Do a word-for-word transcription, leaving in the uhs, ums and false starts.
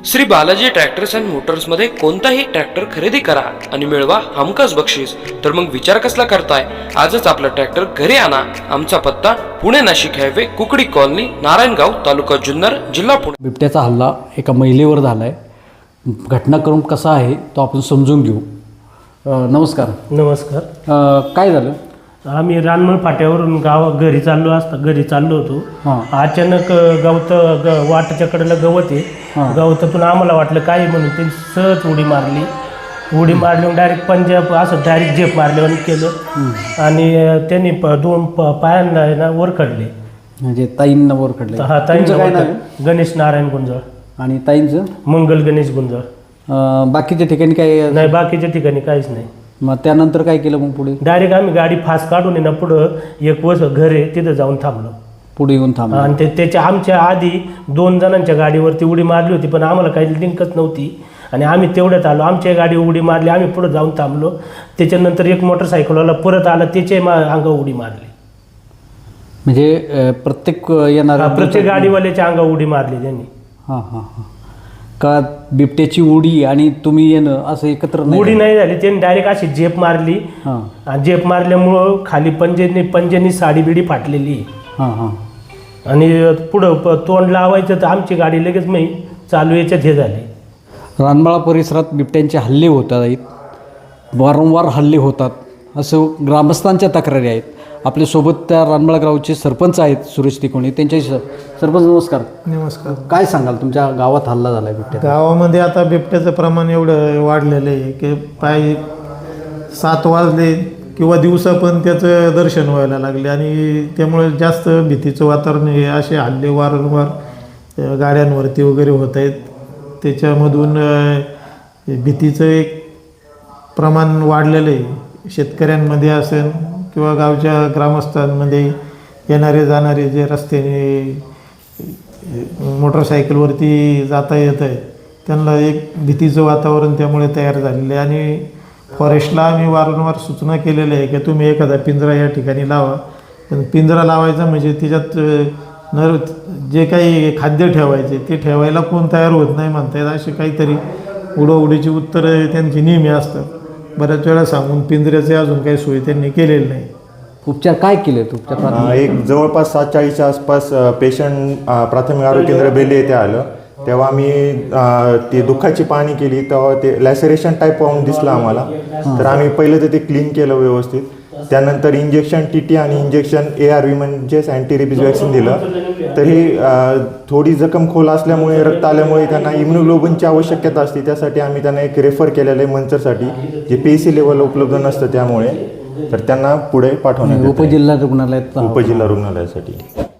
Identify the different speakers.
Speaker 1: Shri Balaji tractors and मोटर्समध्ये कोणताही tractor खरेदी करा आणि मिळवा हमखास बक्षीस. तर मग विचार कसला करताय? आजच आपला ट्रॅक्टर घरी आणा. आमचा पत्ता पुणे नाशिक हायवे, कुकडी कॉलनी, नारायणगाव, तालुका जुन्नर, जिल्हा पुणे.
Speaker 2: बिबट्याचा हल्ला एका महिलेवर झाला आहे. घटनाक्रम कसा आहे तो आपण समजून घेऊ. अ, नमस्कार.
Speaker 3: नमस्कार.
Speaker 2: अ, काय झालं?
Speaker 3: आम्ही रानमळ फाट्यावरून गाव घरी चाललो असता घरी चाललो होतो.
Speaker 2: हां.
Speaker 3: अचानक गवत ग वाटाच्या कडेला गवत आहे.
Speaker 2: हां.
Speaker 3: गवतातून आम्हाला वाटलं काय म्हणून ते सहज उडी मारली. उडी मारली डायरेक्ट पंजाब असं डायरेक्ट झेप मारल्यावर केलं आणि त्यांनी प दोन प पायांना आहे ना वर काढले.
Speaker 2: म्हणजे ताईंना वर काढले.
Speaker 3: हा, ताईंचं काय नाव? गणेश नारायण गुंजळ.
Speaker 2: आणि ताईंचं?
Speaker 3: मंगल गणेश गुंजळ.
Speaker 2: अ, बाकीच्या ठिकाणी काय
Speaker 3: नाही, बाकीच्या ठिकाणी काहीच नाही.
Speaker 2: मग त्यानंतर काय केलं मग पुढे?
Speaker 3: डायरेक्ट आम्ही गाडी फास्ट काढून आहे ना पुढं एक वर्ष घर आहे तिथं जाऊन थांबलो.
Speaker 2: पुढे येऊन थांबलं.
Speaker 3: आणि ते त्याच्या आमच्या आधी दोन जणांच्या गाडीवरती उडी मारली होती, पण आम्हाला काही लिंकच नव्हती आणि आम्ही तेवढ्यात आलो. आमच्या गाडी उडी मारली, आम्ही पुढं जाऊन थांबलो. त्याच्यानंतर एक मोटरसायकलवाला परत आला, त्याच्या मा अंगावर उडी मारली.
Speaker 2: म्हणजे अ, प्रत्येक येणार
Speaker 3: प्रत्येक गाडीवाल्याच्या अंगावर उडी मारली त्यांनी.
Speaker 2: हां हां हां. का बिबट्याची उडी आणि तुम्ही येणं असं एकत्र नाही?
Speaker 3: उडी नाही झाली, त्यांनी डायरेक्ट अशी झेप मारली.
Speaker 2: हां
Speaker 3: आणि झेप मारल्यामुळं खाली पंजेनी पंजेनी साडी बिडी फाटलेली.
Speaker 2: हां हां.
Speaker 3: आणि पुढं प तोंड लावायचं तर आमची गाडी लगेच मी चालू याच्यात हे झाली.
Speaker 2: रानमाळा परिसरात बिबट्यांचे हल्ले होत आहेत, वारंवार हल्ले होतात असं ग्रामस्थांच्या तक्रारी आहेत. आपल्यासोबत त्या रानमाळा गावचे सरपंच आहेत सुरेश तिकोणी. त्यांच्याशी सरपंच नमस्कार.
Speaker 4: नमस्कार.
Speaker 2: काय सांगाल, तुमच्या गावात हल्ला झाला आहे बिबट्या?
Speaker 4: गावामध्ये आता बिबट्याचं प्रमाण एवढं वाढलेलं आहे की पाय सात वाजले किंवा दिवसा पण त्याचं दर्शन व्हायला लागले आणि त्यामुळे जास्त भीतीचं वातावरण हे असे हल्ले वारंवार गाड्यांवरती वगैरे होत आहेत. त्याच्यामधून भीतीचं एक प्रमाण वाढलेलं आहे. शेतकऱ्यांमध्ये असेल किंवा गावच्या ग्रामस्थांमध्ये येणारे जाणारे जे रस्त्याने मोटरसायकलवरती जाता येत आहे त्यांना एक भीतीचं वातावरण त्यामुळे तयार झालेलं आहे. आणि फॉरेस्टला आम्ही वारंवार सूचना केलेल्या आहे की तुम्ही एखादा पिंजरा या ठिकाणी लावा. पण पिंजरा लावायचा म्हणजे त्याच्यात नर जे काही खाद्य ठेवायचे ते ठेवायला कोण तयार होत नाही म्हणता येत. असे काहीतरी उडवडीची उत्तरं त्यांची नेहमी असतात. बऱ्याच वेळा सांगून पिंजऱ्याचे अजून काही सोय त्यांनी केलेली नाही.
Speaker 2: उपचार काय केले उपचार?
Speaker 5: एक जवळपास सात चाळीसच्या आसपास पेशंट प्राथमिक आरोग्य केंद्र बेले येथे आलं. तेव्हा आम्ही ती दुःखाची पाहणी केली तेव्हा ते लॅसरेशन टाईप पाहून दिसलं आम्हाला. तर आम्ही पहिलं तर ते क्लीन केलं व्यवस्थित. त्यानंतर इंजेक्शन टी टी आणि इंजेक्शन ए आर व्ही म्हणजेच अँटी रेबीज वॅक्सिन दिलं. तरी थोडी जखम खोल असल्यामुळे रक्त आल्यामुळे त्यांना इम्युनोग्लोबिनची आवश्यकता असते. त्यासाठी आम्ही त्यांना एक रेफर केलेलं आहे मंचरसाठी, जे पी सी लेवल उपलब्ध नसतं त्यामुळे. तर त्यांना पुढे पाठवण्यात
Speaker 2: उपजिल्हा रुग्णालयात
Speaker 5: उपजिल्हा रुग्णालयासाठी.